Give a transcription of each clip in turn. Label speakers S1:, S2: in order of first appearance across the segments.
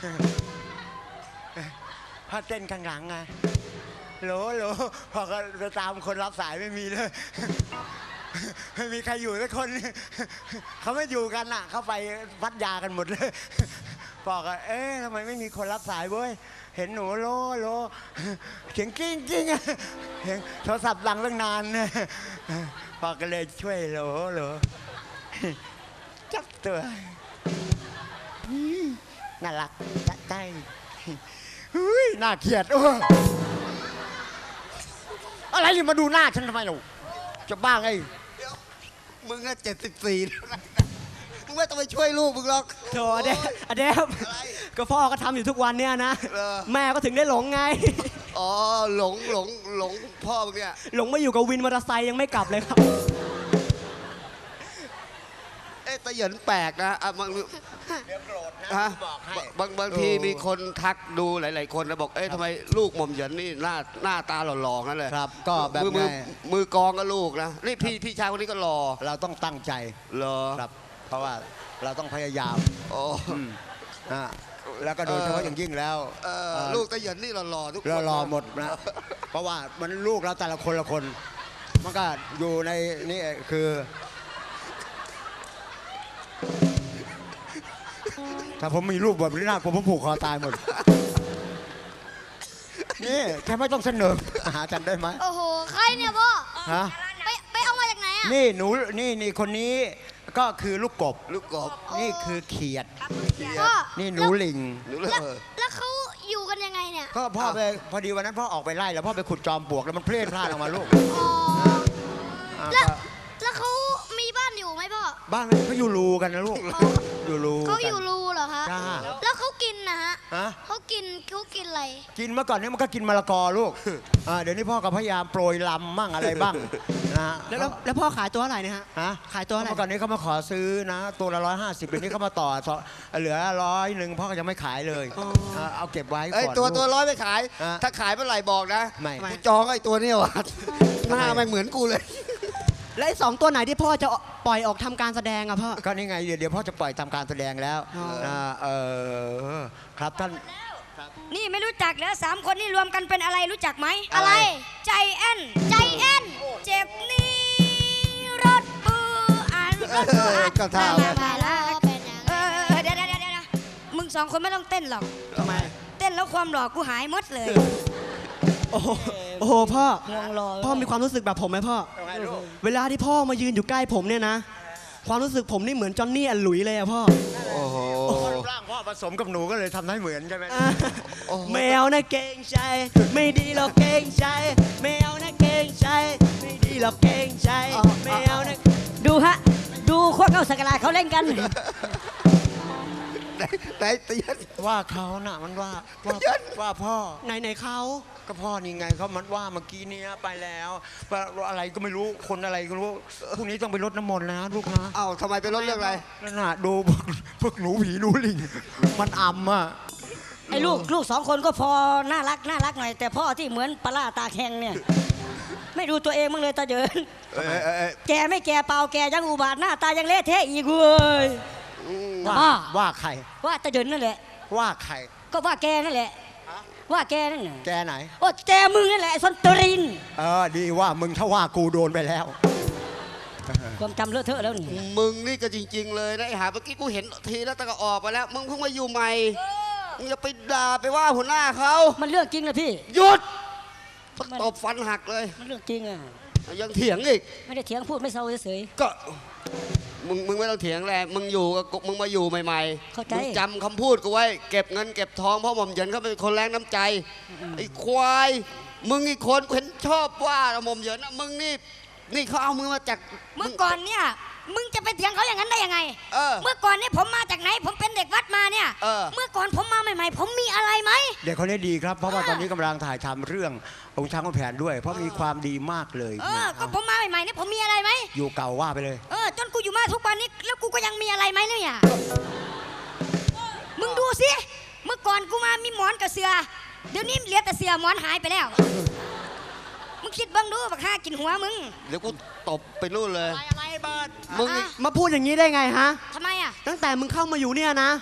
S1: พ่อเต้นข้างหลังไงโหลพอก็จะตามคนรับสายไม่มีเลยไม่มีใครอยู่สักคนเขาไม่อยู่กันน่ะเขาไปพัทยากันหมดเลยบอกว่าทำไมไม่มีคนรับสายเว้ยเห็นหนูโลเสียงกิ้งเห็นโทรศัพท์ดังตั้งนานพอก็เลยช่วยโหลจับตัวน่ารักจะใจน่าเกลียดอะไรนี่มาดูหน้าฉันทำไมลูกจะบ้าไง
S2: มึงอะ74มึงไม่ต้องไปช่วยลูกมึงหรอก
S3: โธ่อเดฟก็พ่อก็ทำอยู่ทุกวันเนี่ยนะแม่ก็ถึงได้หลงไง
S2: อ๋อหลงพ่อมึงเนี่ย
S3: หลงมาอยู่กับวินมอเตอร์ไซค์ยังไม่กลับเลยครับ
S2: ตะเหยินแปลกนะบางบางทีมีคนทักดูหลายๆคนนะบอกทำไมลูกหม่อมเหยินนี่หน้าตาหล่อๆนั่นเลย
S1: ครับก็แบบ
S2: มือกองก็ลูกนะนี่พี่ชายคนนี้ก็หล่อ
S1: เราต้องตั้งใจ
S2: หรอ
S1: ครับเพราะว่าเราต้องพยายามแล้วก็โดยเฉพาะอย่างยิ่งแล้ว
S2: ลูกตะเหยินนี่หล่อๆทุกคน
S1: หล่อหมดนะเพราะว่ามันลูกเราแต่ละคนมันก็อยู่ในนี่คือถ้าผมมีลูกแบบนี้นะผมผูกคอตายหมดนี่แค่ไม่ต้องเสนอหากันได้ไหม
S4: โอ้โหใครเนี่ยพ่อ
S1: ฮะ
S4: ไปเอามาจากไหนอ่ะ
S1: นี่หนูนี่คนนี้ก็คือลูกกบนี่คือเขียดนี่หนูลิง
S4: แล้วเขาอยู่กันยังไงเนี่ย
S1: ก็พ่อไปพอดีวันนั้นพ่อออกไปไล่แล้วพ่อไปขุดจอมปลวกแล้วมันเพลินพลาดออกมาลูก
S4: แล้วเขามีบ้านอยู่ไหมพ่อ
S1: บ้านเขาอยู่รูกันนะลูกอยู่รู
S4: เขาอยู่รูเหรอคะแล้วเขากินนะฮะเขากินอะไร
S1: กินเมื่อก่อนนี้มันก็กินมะละกอลูกเดี๋ยวนี้พ่อก็พยายามโปรยลำมั่งอะไรบ้างนะ
S3: แล้วพ่อขายตัวอะไรเนี่ยฮะขายตัวอะไร
S1: เมื่อก่อนนี้เขามาขอซื้อนะตัวละ150เดี๋ยวนี้เขามาต่อเหลือ100พ่อก็ยังไม่ขายเลยเอาเก็บไว้ก่อน
S2: ตัว100ไม่ขายถ้าขายเมื่อไหร่บอกนะกูจองไอ้ตัวนี้ว่ะหน้ามันเหมือนกูเลย
S3: และ2ตัวไหนที่พ่อจะปล่อยออกทำการแสดงอะพ่อ
S1: ก็นี่ไงเดี๋ยวพ่อจะปล่อยทำการแสดงแล้วครับท่าน
S4: นี่ไม่รู้จักแล้ว3คนนี่รวมกันเป็นอะไรรู้จักไหมอะไรใจแอนเจ็บนี่รถปื
S2: ก็ท่า
S4: เดี๋ยวมึง2คนไม่ต้องเต้นหรอก
S3: ทำไม
S4: เต้นแล้วความหล่อกูหายหมดเลย
S3: โอ้โหพ่อมีความรู้สึกแบบผมไหมพ่อเวลาที่พ่อมายืนอยู่ใกล้ผมเนี่ยนะความรู้สึกผมนี่เหมือนจอนนี่อันหลุยเลยอะพ่อ
S1: โอ้โหร่างพ่อผสมกับหนูก็เลยทำให้เหมือนใช่ไหม
S3: แมวนะเก่งใจไม่ดีหรอกเก่งใจแมวนะเก่งใจไม่ดีหรอกเก่งใจแมวนะ
S4: ดูฮะดูโคตรเอาสกลาเขาเล่นกัน
S2: ไหนตีน
S1: ว่าเขาน่ะมันว่าพ่อ
S3: ไหนเขา
S1: ก็พ่อนี่ไงเขามันว่าเมื่อกี้นี้ไปแล้วอะไรก็ไม่รู้คนอะไรก็รู้พรุ่งนี้ต้องไปรดน้ำมนต์นะลูกนะ
S2: ทำไมไปรดเรื่องอะไร
S1: นั่นน่ะดูพวกหนูผีหนูลิงมันอ่ำอ่ะ
S4: ไอ้ลูก2คนก็พอน่ารักหน่อยแต่พ่อที่เหมือนปลาตาแข็งเนี่ยไม่ดูตัวเองมั้งเลยตาเดินแกไม่แกเปล่าแกยังอุบาทหน้าตายังเละเทะอีกเว้ย
S1: ว่าใคร
S4: ว่าตาเดินนั่นแหละ
S1: ว่าใคร
S4: ก็ว่าแกนั่นแหละว่าแกนั่น
S1: แกไหน
S4: โอ้แกมึงนั่นแหละไอ้ซอนตริน
S1: ดีว่ามึงถ้าว่ากูโดนไปแล้ว
S4: ความจำเลอะเทอะแล้วนี่
S2: มึงนี่ก็จริงๆเลยนะไอ้หาเมื่อกี้กูเห็นทีแล้วแต่ก็ออกไปแล้วมึงเพิ่งมาอยู่ใหม่มึงอย่าไปด่าไปว่าหัวหน้าเขา
S4: มันเรื่องจริงนะพี่
S2: หยุดตบฟันหักเลย
S4: มันเรื่องจริงอ่ะ
S2: ยังเถียงอีก
S4: ไม่ได้เถียงพูดไม่เศร้าเฉย
S2: ก็มึงไม่ต้องเถียงแหละมึงอยู่กับมึงมาอยู่ใหม่ๆมึงจำคำพูดกูไว้เก็บเงินเก็บทองเพราะหม่อมเหยินเขาเป็นคนแรงน้ำใจไอ้ควายมึงอีกคนเห็นชอบว่าหม่อมเหยินมึงนี่เขาเอามือมาจาก
S4: เมื่อก่อนเนี่ยมึงจะไปเถียงเขาอย่างนั้นได้ยังไงเมื่อก่อนเนี่ยผมมาจากไหนผมเป็นเด็กวัดมาเนี่ยเมื่อก่อนผมมาใหม่ๆผมมีอะไรไหม
S1: เด็กคนนี้ดีครับเพราะว่าตอนนี้กำลังถ่ายทำเรื่ององค์ช้างขุนแผนด้วยเพราะมีความดีมากเลย
S4: ก็ผมมาใหม่ๆเนี่ยผมมีอะไรไหม
S1: อยู่เก่าว่าไปเลย
S4: จนกูอยู่มาทุกวันนี้แล้วกูก็ยังมีอะไรไหมเนี่ยมึงดูสิเมื่อก่อนกูมามีหมอนกับเสือเดี๋ยวนี้เหลือแต่เสือหมอนหายไปแล้วมึงคิดบ้างดูบักฆ่ากินหัวมึง
S2: เดี๋ยวกูตบไปนู่นเลย
S1: อะไรเบิร์ด
S3: มึงมาพูดอย่างนี้ได้ไงฮะ
S4: ทำไมอ่ะ
S3: ตั้งแต่มึงเข้ามาอยู่เนี่ยนะ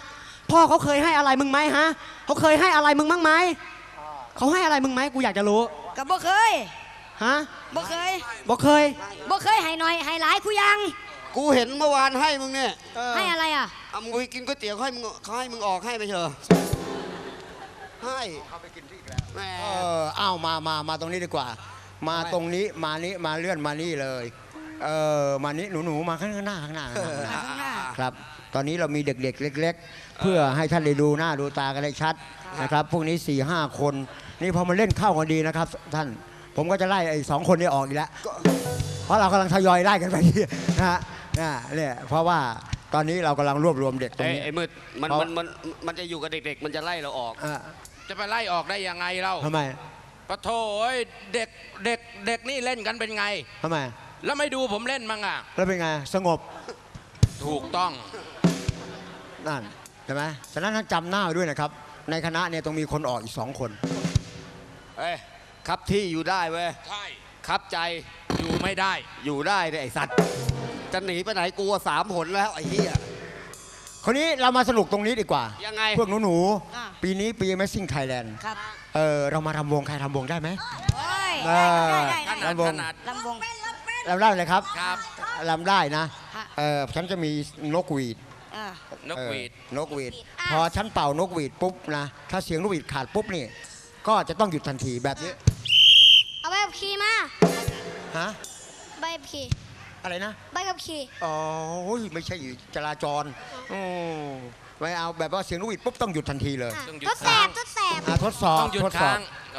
S3: พ่อเขาเคยให้อะไรมึงไหมฮะเขาเคยให้อะไรมึงบ้างไหมเขาให้อะไรมึงไหมกูอยากจะรู้
S4: กับบ่เคย
S3: ฮะ
S4: บ่เคย
S3: บอกเคย
S4: บ่เคยให้หน่อยให้หลายกูยัง
S2: กูเห็นเมื่อวานให้มึงเนี่ย
S4: ให้อะไรอ่ะ
S2: เอามึงไปกินก๋วยเตี๋ยวเขาให้มึงออกให้ไปเถอะให้เขาไปกินที่อีกแล้วแหม
S1: อ้าวมาตรงนี้ดีกว่า มาตรงนี้มานี้มาเลื่อนมานี่เลยมานี้หนูมาข้างหน้าข้างหน้า
S4: ข้างหน้า
S1: ครับ ตอนนี้เรามีเด็กๆเล็ก ๆ เพื่อให้ท่านได้ดูหน้าดูตากันได้ชัดนะครับ พวกนี้ 4-5 คน นี่พอมาเล่นเข้ากันดีนะครับ ท่านผมก็จะไล่ไอ้2 คนนี้ออกอีกแล้ว เพราะเรากำลังทยอยไล่กันไปนะฮะเนี่ยเพราะว่าตอนนี้เรากำลังรวบรวมเด็กตรงนี้
S2: ไอ้มืดมันจะอยู่กับเด็กๆ มันจะไล่เราออก
S5: จะไปไล่ออกได้ยังไงเล่า
S1: ทำไม
S5: ปะโถเด็กนี่เล่นกันเป็นไง
S1: ทำไม
S5: แล้วไม่ดูผมเล่นมั้งอ่ะ
S1: แล้วเป็นไงสงบ
S5: ถูกต้อง
S1: นั่นใช่ไหมฉะนั้นท่านจำหน้าไว้ด้วยนะครับ ในคณะเนี่ยต้องมีคนออกอีก2 คน
S2: เอ้ยครับที่อยู่ได้เว้ย
S5: ใช่
S2: ครับใจ
S5: อยู่ไม่ได้
S2: อยู่ได้เนี่ยไอ้สัตว์ จะหนีไปไหนกูว่า3 หนแล้วไอ้เหี้ย
S1: คนนี้เรามาสนุกตรงนี้ดีกว่า
S2: ยังไง
S1: พวกหนู
S4: อ่ะ
S1: ๆปีนี้ปี Amazing Thailand
S4: ครับ
S1: เรามาทำวงใครทำวงได้ไหม
S4: โอ้ย
S1: เออ
S4: ได้
S5: ขนาด
S1: ลำวง
S5: ขนาด
S4: ลำวง
S1: รำได้เลยครับ
S5: ครับ
S1: รำได้นะ
S4: ฮะ
S1: ฉันจะมีนกหวีด
S4: อ่ะ
S5: นกหวีด
S1: นกหวีดพอฉันเป่านกหวีดปุ๊บนะถ้าเสียงนกหวีดขาดปุ๊บนี่ก็จะต้องหยุดทันทีแบบนี้
S6: เอาใบขับขี่มา
S1: ฮะ
S6: ใบขับขี่
S1: อะไรนะ
S6: ใบขับขี่
S1: อ๋อไม่ใช่จราจรไม่เอาแบบว่าเสียงนกหวีดปุ๊บต้องหยุดทันทีเลย
S6: อ่ะ
S5: ต้องหยุด
S6: ทดแสบทดแสบ
S1: ทดสอบ
S5: ต้องหยุด
S1: ทดสอ
S5: ค้า
S1: บ
S5: งโอ้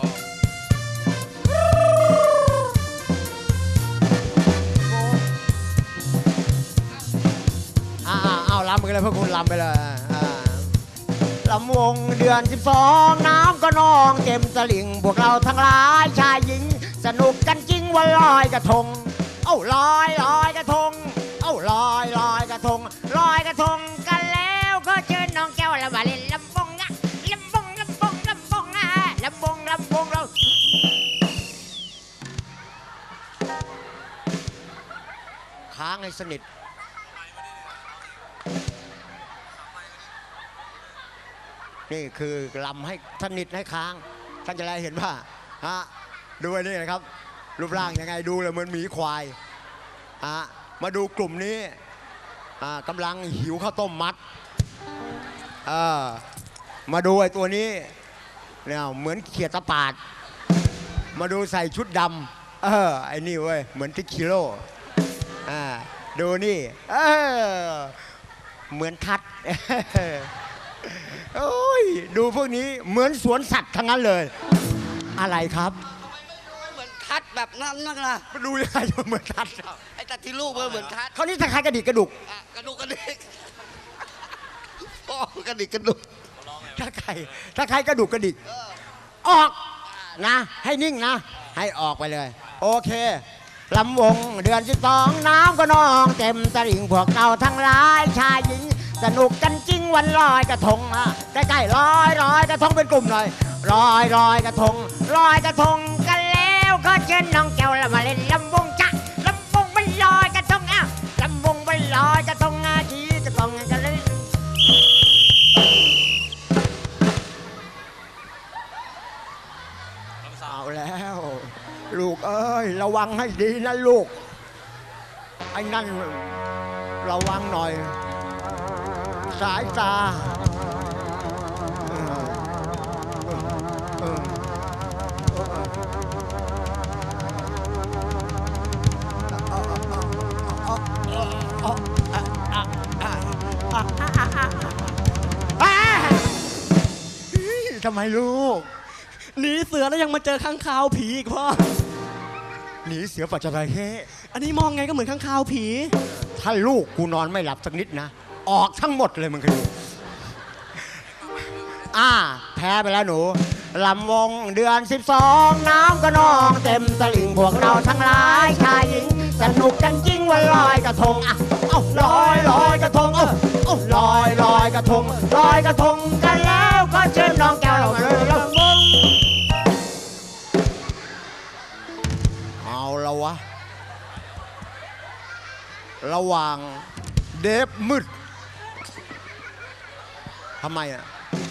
S1: เอาลำไปเลยพวกคุณลำไปเลยลำวงเดือน 12 น้ำก็นองเต็มตลิ่งพวกเราทั้งหลายชายหญิง สนุกกันจริงวันลอยกระทง เอ้าลอยกระทง เอ้าลอยกระทงลอยกระทงกันแล้วก็เชิญน้องแก้วละมาเล่นลำวงอะลำวงอะลำวงเราค้างให้สนิท นี่คือลำให้สนิทให้ค้าง ท่านจะได้เห็นว่าดูไอ้นี่นะครับ รูปร่างยังไงดูเลยเหมือนหมีควายมาดูกลุ่มนี้กำลังหิวข้าวต้มมัดมาดูไอ้ตัวนี้เนี่ยเหมือนเขียดตะปาด มาดูใส่ชุดดำไอ้นี่เว้ยเหมือนทิกคิโร่ดูนี่เหมือนทัด โอ้ยดูพวกนี้เหมือนสวนสัตว์ทั้งนั้นเลย อะไรครับ
S2: เหมือนทัดแบบนั้นนักล่ะ
S1: ดูยังไงจะเหมือนทัด
S2: ไอ้ตัดที่ลูกมันเหมือนทัด
S1: เขานี่ถ้าใครกระดิกกระดุก
S2: กระดูกกระดิกพ่อกระดิกกระดุก
S1: ถ้าใครกระดุกกระดิกออกนะ ให้นิ่งนะ ให้ออกไปเลย โอเคลำวงเดือน 12 น้ำก็นองเต็มตลิ่งพวกเราทั้งหลายชายหญิง สนุกกันจริงวันลอยกระทงใกล้ๆลอยกระทงเป็นกลุ่มหน่อยลอยกระทงกันแล้วก็เชิญน้องแก้วละมาเล่นลำวงจ้ะลำวงมันลอยกระทงลำวงมันลอยกระทงขี่กระทงกันเลยเอาแล้ว ลูกเอ้ยระวังให้ดีนะลูกไอ้นั่นระวังหน่อยสายตาทำไมลูก
S3: หนีเสือแล้วยังมาเจอข้างคาวผีอีกพ่อ
S1: หนีเสือปัจจระเข้
S3: อันนี้มองไงก็เหมือนข้างคาวผี
S1: ถ้าลูกกูนอนไม่หลับสักนิดนะ ออกทั้งหมดเลยมึงเคยดูแพ้ไปแล้วหนูลำวงเดือน 12 น้ำก็นองเต็มตลิ่งพวกเราทั้งหลายชายหญิง สนุกกันจริงวันลอยกระทงลอยกระทงลอยกระทงกันแล้วก็เชิญน้องแก้วเราเลยลำวงเอาละวะระหว่างเดฟมืดทำไมอ่ะ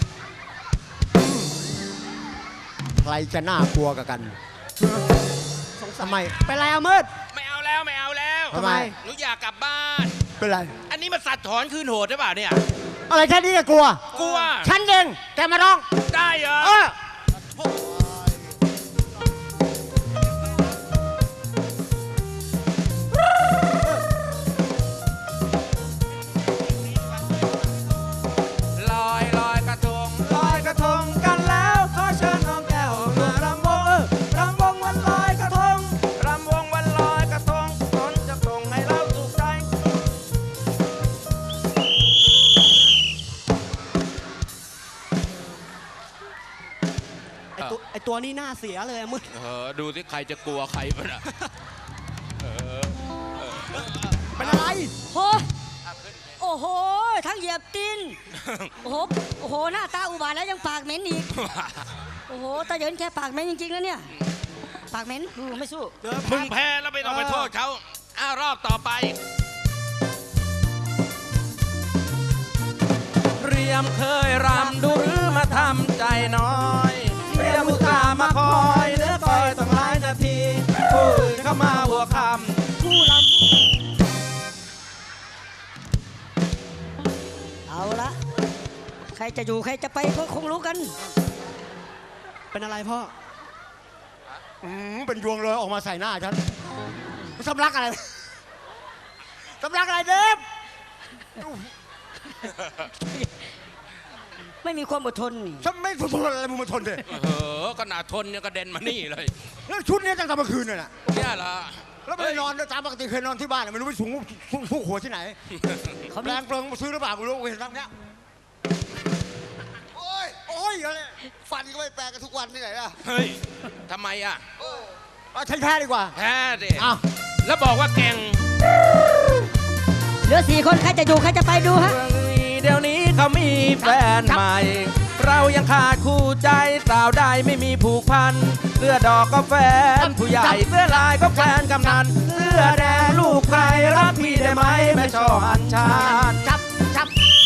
S1: ใครจะน่ากลัวกับกันทำไม
S3: เป็นไรอะมืด
S5: ไม่เอาแล้วไม่เอาแล้ว
S1: ทำไม
S5: หนูอยากกลับบ้าน
S1: เป็นไร
S5: อันนี้มันสัตว์ถอนคืนโหดหรือเปล่าเนี่ย
S1: อะไรแค่นี้ก็กลัว
S5: กลัว
S1: ฉันเองแกมาร้อง
S5: ได้เหรอ
S1: เออ
S5: ลอยลอยกระทง
S3: ลอยกระทงกันแล้วขอเชิญน้องแก้วมารำวงรำวงวันลอยกระทง
S5: รำวงวันลอยกระทงฝนจะตกให้เราสุขใจ
S3: ไอตัวนี้หน้าเสียเลยอะมืด
S5: ดูสิใครจะกลัวใครบ้างอะ
S3: เป็นอะไร
S4: โหโอ้โห ทั้งเหยียบตีนโอ้โห โอ้โห หน้าตาอุบาทแล้วยังปากเหม็นอีก โอ้โห ตาเหยินแค่ปากเหม็นจริงๆนะเนี่ย ปากเหม็นไม่สู้
S5: มึงแพ้แล้วไม่ต้องไปโทษเขารอบต่อไป เรียมเคยรำดูหรือมาทำใจน้อยเรียมอุตส่าห์มาคอยเนื้อคอยต้องหลายนาทีผู้อื่นเข้ามาหัวคำ
S4: ผู้ลำเอาละ ใครจะอยู่ใครจะไปก็คงรู้กัน
S3: เป็นอะไรพ่อ
S1: เป็นยวงเลยออกมาใส่หน้าฉันสำลักอะไรสำลักอะไรเดฟ
S4: ไม่มีความอดทนนี่
S1: ฉันไม่ทนอะไรมึงมาทนเลย
S5: ขนาดทนยังกระเด็นมานี่เลย
S1: แล้วชุดนี้ตั้งแต่เมื่อคืนน่ะ
S5: เนี่ยเหรอ
S1: แล้วไม่ได้นอนตามปกติเคยนอนที่บ้านไม่รู้ไปสูงทุกหัวที่ไหน
S4: เขามี
S1: แรงเปลืองมาซื้อหรือเปล่าไม่รู้เห็นตั้งเนี้ยโอ้ยโอ้ยอะไรฟันก็ไม่แปลงกันทุกวันที่ไหนล่ะ
S5: เฮ้ยทำไมอ่ะ
S1: เอาใช้แพ้ดีกว่า
S5: แพ้ดิ
S1: อ้าว
S5: แล้วบอกว่าเก่ง
S4: เหลือ4 คนใครจะอยู่ใครจะไปดูฮะ
S5: เดี๋ยวนี้เขามีแฟนใหม่ เรายังขาดคู่ใจสาวใดไม่มีผูกพันเสื้อดอกก็แฟน ผู้ใหญ่เสื้อลายก็แฟนกำนันเสื้อแดงลูกใครรักพี่ได้ไหมแม่ช่ออัญชัน
S1: จับ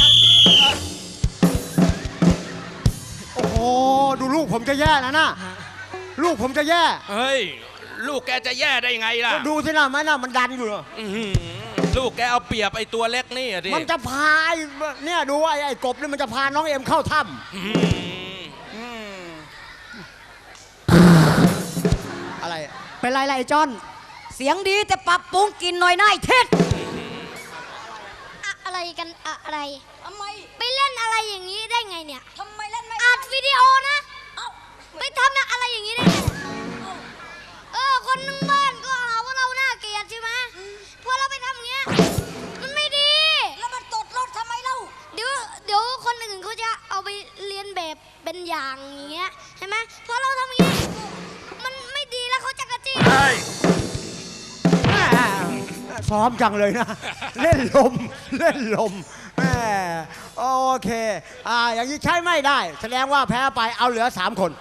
S1: โอ้โหดูลูกผมจะแย่นะลูกผมจะแย่
S5: เฮ้ย ลูกแกจะแย่ได้ไงล่ะ
S1: ดูสินะมันดันอยู่เหรอ
S5: อื้อหือลูกแกเอาเปรียบไอ้ตัวเล็กนี่อะดิ
S1: มันจะพาเนี่ยดูไอ้กบนี่มันจะพาน้องเอ็มเข้าถ้
S5: อื้อหือ
S1: ำอะไร
S3: เป็นไรล่ะไอ้จอน
S4: เสียงดีแต่ปรับปรุงกินหน่อยน่ายเท็ด
S6: อะไรกันอะไร
S4: ทำไม
S6: ไปเล่นอะไรอย่างนี้ได้ไงเนี่ย
S4: ทำไมเล่นไม่
S6: อัดวิดีโอนะไปทำอะไรอย่างนี้ได้ไงคนทั้งบ้านก็หาว่าเราน่าเกลียดใช่ไหมพอเราไปทำอย่างเงี้ยมันไม่ดี
S4: แล้วมันตดรถทำไมเล่า
S6: เดี๋ยวคนอื่นเขาจะเอาไปเรียนแบบเป็นอย่างอย่างเงี้ยใช่ไหมพอเราทำอย่างเงี้ยมันไม่ดีแล้วเขาจะกระจี้
S5: เฮ้ย
S1: ซ้อมจังเลยนะ เล่นลมแหมโอเคอย่างนี้ใช้ไม่ได้ แสดงว่าแพ้ไปเอาเหลือ3 คน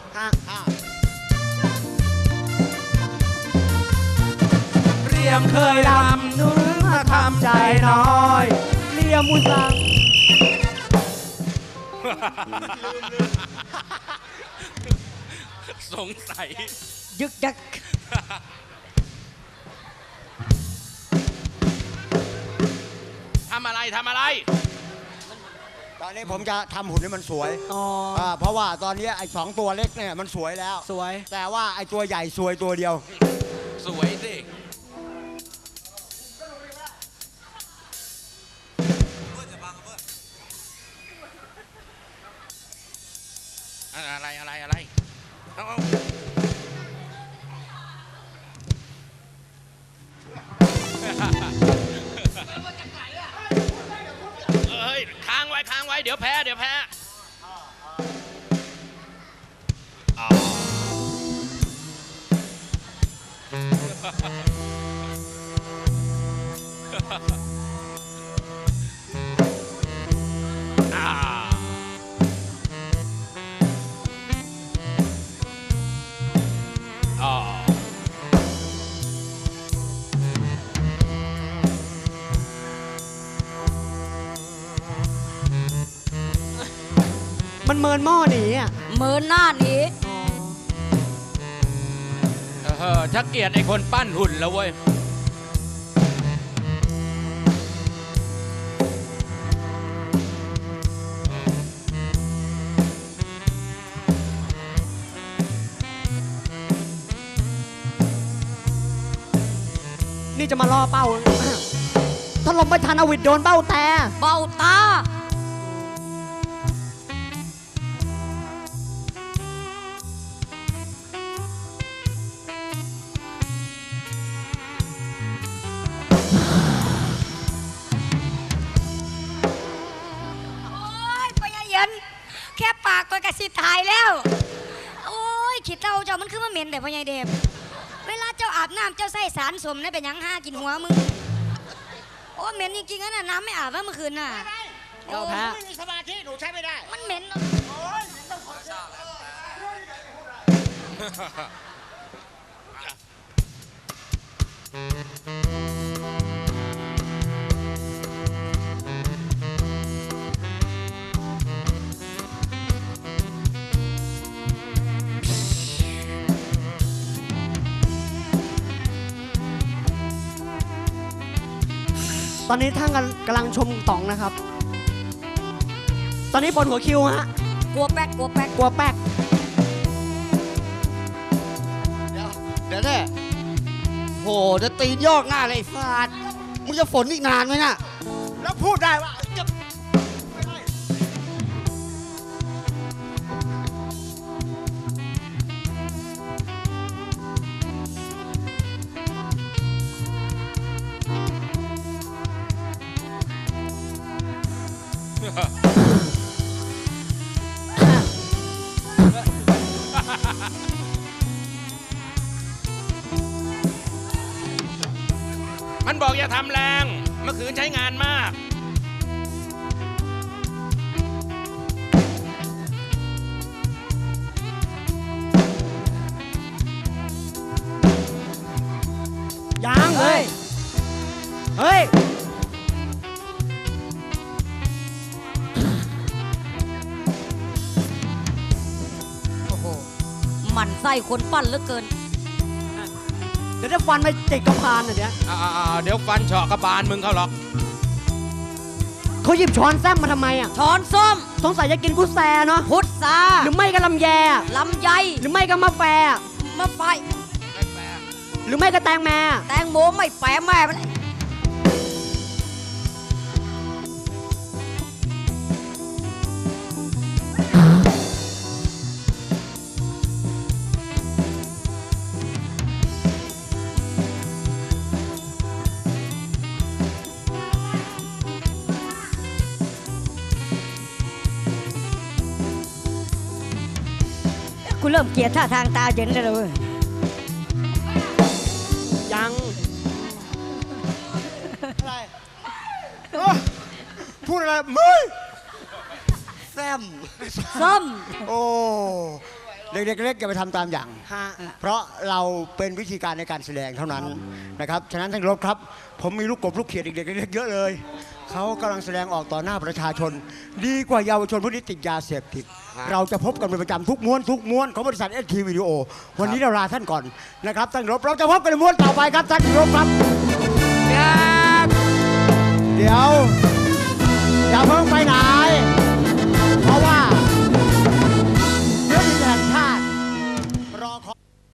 S5: เรียมเคยรำดูหรือมาทำใจน้อย
S3: เรียมุสัง
S5: สงสัย
S4: ยึกยัก
S5: ทำอะไร
S1: ตอนนี้ผมจะทำหุ่นให้มันสวย
S3: อ๋อ
S1: เพราะว่าตอนนี้ไอ้2 ตัวเล็กเนี่ยมันสวยแล้ว
S3: สวย
S1: แต่ว่าไอ้ตัวใหญ่สวยตัวเดียว
S5: สวยสิ อะไรเอาเฮ้ยค้างไว้เดี๋ยวแพ้
S3: เมินหม้อหนีอ่ะ
S4: เหมือนหน้าหนี
S5: ชักเกลียดไอ้คนปั้นหุ่นแล้วเว้ย
S3: นี่จะมาล่อเป้า ถ้าลมไม่ทันเอาวิดโดนเป้าแต่
S4: เบ้าตา โอ้ยพ่อใหญ่เย็นแค่ปากตัวกระสิตายแล้ว โอ้ยขีดเต้าเจ้ามันคือมาเหม็นแต่พ่อใหญ่เดบเวลาเจ้าอาบน้ำเจ้าใส่สารสมนะเป็นหยังห้ากินหัวมึง โอ้เหม็นจริงๆนะน้ำไม่อาบว่าเมื่อคืนน่ะ
S3: เราแพ้
S1: ไม่มีสมาธิหนูใช้ไม่ได้
S4: มันเหม็นเนอะ
S3: ตอนนี้ท่านกำลังชมต่องนะครับ ตอนนี้บนหัวคิวฮะ
S4: กลัวแป๊กกลัวแป๊ก
S3: กลัวแป๊ก
S2: เดี๋ยวแน่โหจะตีนยอกหน้าเลยไอ้ฟาดมึงจะฝนอีกนานไหมน่ะ
S1: แล้วพูดได้ว่าจะ
S5: มันบอกอย่าทำแรง เมื่อคืนใช้งานมาก
S3: ยังเฮ้ย เฮ้ย
S4: โอ้โหหมันไส้คนปั้นเหลือเกิน
S3: เดี๋ยวจะฟันไปติดกระพานอ่ะเดี๋ยว
S5: เดี๋ยวฟันเฉาะกระบาลมึงเขาหรอก
S3: เขาหยิบช้อนแซมมาทำไมอ่ะ
S4: ช้อนส้ม
S3: สงสัยจะกินกุแซเนาะ
S4: พุทรา
S3: หรือไม่ก็ลำแย
S4: ลำไย
S3: หรือไม่ก็มะแฟ
S4: มะไฟ
S3: หรือไม่ก็แตงแม
S4: แตงโมไม่แปะแม่มัน กูเริ่มเกลียดท่าทางตาเย็นแล้วเลย
S3: ยัง
S1: อะไรโอ้พูดอะไรมึง
S2: แซม
S4: ส้ม
S1: โอ้เด็กๆเล็กอย่าไปทำตามอย่าง
S3: ฮะ
S1: เพราะเราเป็นวิธีการในการแสดงเท่านั้นนะครับ ฉะนั้นท่านรบครับ ผมมีลูกกบลูกเขียดเด็กๆเล็กๆเยอะเลย เขากำลังแสดงออกต่อหน้าประชาชน ดีกว่าเยาวชนผู้ที่ติดยาเสพติด เราจะพบกันเป็นประจำทุกม้วนของบริษัทเอสทีวิดีโอวันนี้เราลาท่านก่อนนะครับท่านรบเราจะพบกันในม้วนต่อไปครับท่านรบครับ เดี๋ยว